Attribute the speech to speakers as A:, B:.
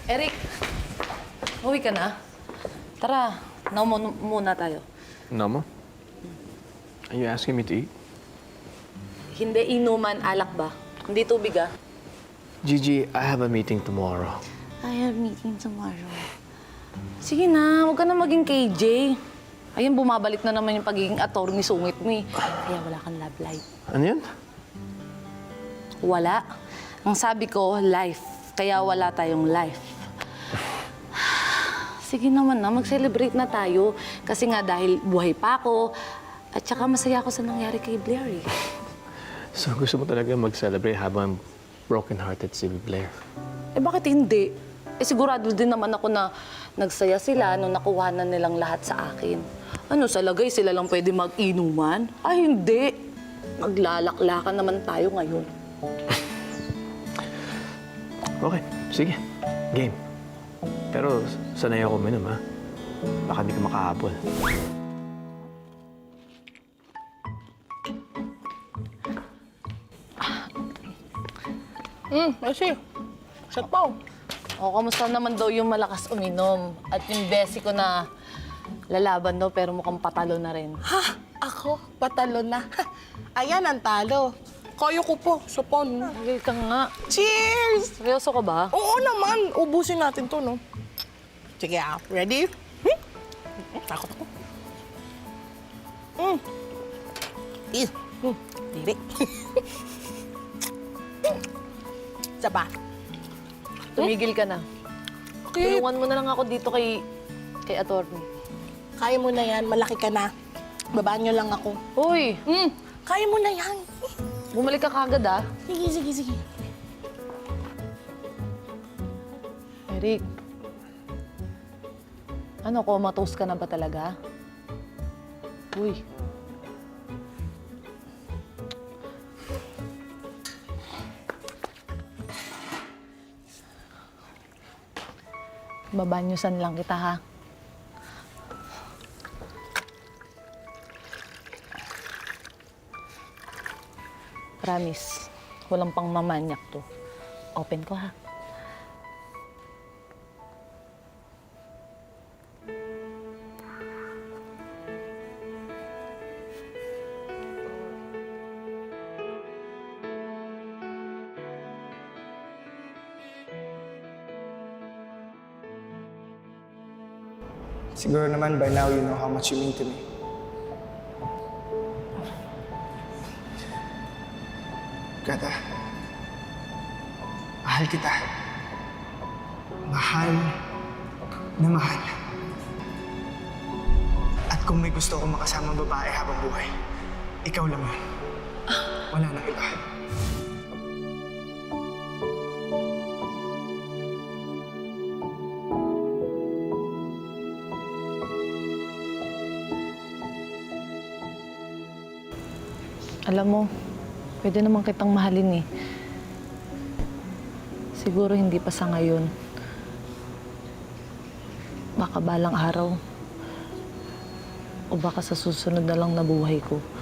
A: Eric, uwi ka na? Tara, naumo muna tayo.
B: Namo? Are you asking me to eat?
A: Hindi inuman, alak ba? Hindi tubig ah.
B: Gigi, I have a meeting tomorrow.
A: I have meeting tomorrow. Sige na, huwag ka na maging KJ. Ayun, bumabalik na naman yung pagiging attorney sungit mo eh. Kaya wala kang love life.
B: Ano yan?
A: Wala. Ang sabi ko, life. Kaya wala tayong life. Sige naman na, mag-celebrate na tayo. Kasi nga dahil buhay pa ako, at saka masaya ako sa nangyari kay Blair eh.
B: So gusto mo talaga mag-celebrate habang broken-hearted si Blair?
A: Eh bakit hindi? Eh sigurado din naman ako na nagsaya sila nung nakuha na nilang lahat sa akin. Ano, sa lagay sila lang pwede mag-inuman? Ay hindi. Maglalaklakan naman tayo ngayon.
B: Okay, sige. Game. Pero sanay ako uminom, ha? Baka di ka makahabol.
C: Kasi, shot pa.
A: O, kamusta naman daw yung malakas uminom? At yung besi ko na lalaban daw pero mukhang patalo na rin.
C: Ha? Ako? Patalo na. Ayan ang talo. Kaya ko po, supon.
A: Hindi ka nga.
C: Cheers!
A: Seryoso ka ba?
C: Oo naman, ubusin natin to, no? Sige, ready? Takot ako. Diri. Isa pa.
A: Tumigil ka na.
C: Okay.
A: Tulungan mo na lang ako dito kay attorney.
C: Kaya mo na yan, malaki ka na. Babaan nyo lang ako.
A: Uy!
C: Kaya mo na yan.
A: Bumalik ka kagad ah.
C: Sige.
A: Eric. Ano, comatose ka na ba talaga? Uy. Babanyusan lang kita, ha? Promise, walang pang mamanyak to. Open ko, ha?
D: Siguro naman by now you know how much you mean to me. Kata, mahal kita. Mahal na mahal. At kung may gusto akong makasamang babae habang buhay, ikaw lang yun. Wala nang iba.
A: Alam mo, pwede naman kitang mahalin eh. Siguro hindi pa sa ngayon. Baka balang araw. O baka sa susunod na lang na buhay ko.